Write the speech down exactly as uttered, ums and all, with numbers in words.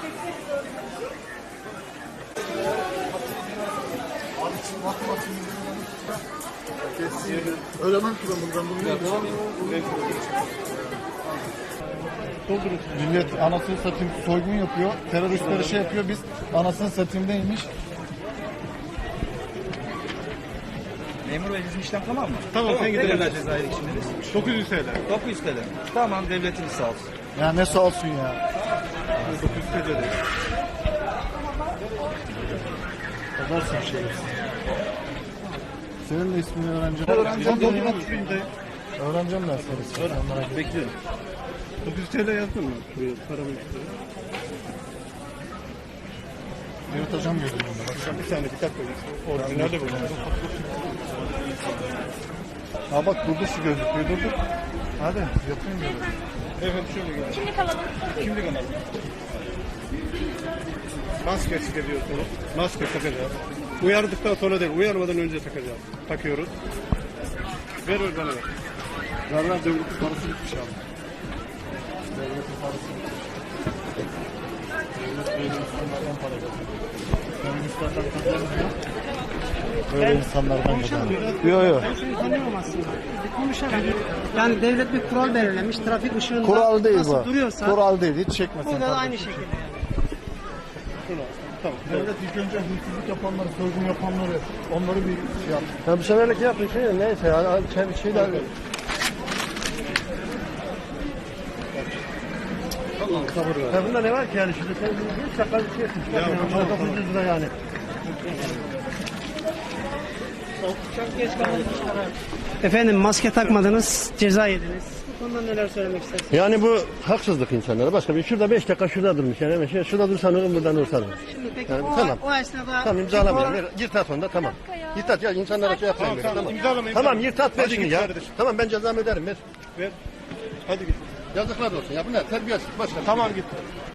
Ölemem ki ben bundan bunu. Millet anasını satayım soygun yapıyor. Teröristleri şey yapıyor. Biz anasını satayım neymiş? Memur Bey bizim işlem tamam mı? Tamam, sen gidelim. Ne kadar cezai içindeniz? dokuz yüz T L. dokuz yüz T L. Tamam, devletiniz sağ olsun. Ya ne sağ olsun ya. dokuz yüz T L. Kadarsın şey. Senin de ismini öğreneceğim. Öğreneceğim. Öğreneceğim ben seni. Bekliyorum. dokuz yüz T L yazdın mı? Şuraya paramı istiyor. Yırtacağım gözümü. Bir saniye bir dakika. Orijinal de bu. Ha bak burada şu gözüküyor. Dur dur. Hadi yapayım böyle. Evet şöyle gel. Kimlik alalım. Kimlik alalım. Maske çıkarıyorsunuz. Maske takacağız. Uyardıktan sonra değil, uyarmadan önce takacağız. Takıyoruz. Ver ver bana ver. Verler devletin parası bitmiş abi. Devletin parası bitmiş. Devlet böyle insanlardan para kazanıyor. Komünistlerden kazanmıyor. Böyle insanlardan kazanıyor. Yok yok. Ben seni tanıyorum aslında. Bir konuşalım. Yani devlet bir kural belirlemiş. Trafik ışığında Kural değil nasıl bu. duruyorsa Kural değil. Hiç çekmesin. burada da aynı kardeşim. şekilde. Tamam. Devlet ilk önce hırsızlık yapanları, soygun yapanları onları bir şey yapsın. Ya bu seferlik yapın şey neyse yani şey, şeyler ya bunda ne var ki yani şimdi sen bir şaka bir şey yapmışsın. Ya, Ya, tamam, dokuz yüz lira yani. Efendim maske takmadınız, ceza yediniz. Bu konuda neler söylemek istersiniz? Yani bu haksızlık insanlara. Başka bir şurada beş dakika şurada durmuş yani hemen şey, şurada dursan olur buradan dursan olur. Şimdi peki Yani, o, tamam. o esnada... Tamam imzalamayalım. Ver, Yırtat onu da tamam. Yırtat ya insanlara şey yapmayın. Tamam, tamam, Tamam. imzalamayın. Tamam yırtat ver Hadi şunu git ya. kardeşim. Tamam ben cezamı öderim ver. Ver. Hadi git. Yazıklar olsun ya bunlar terbiyesiz başka. Tamam git.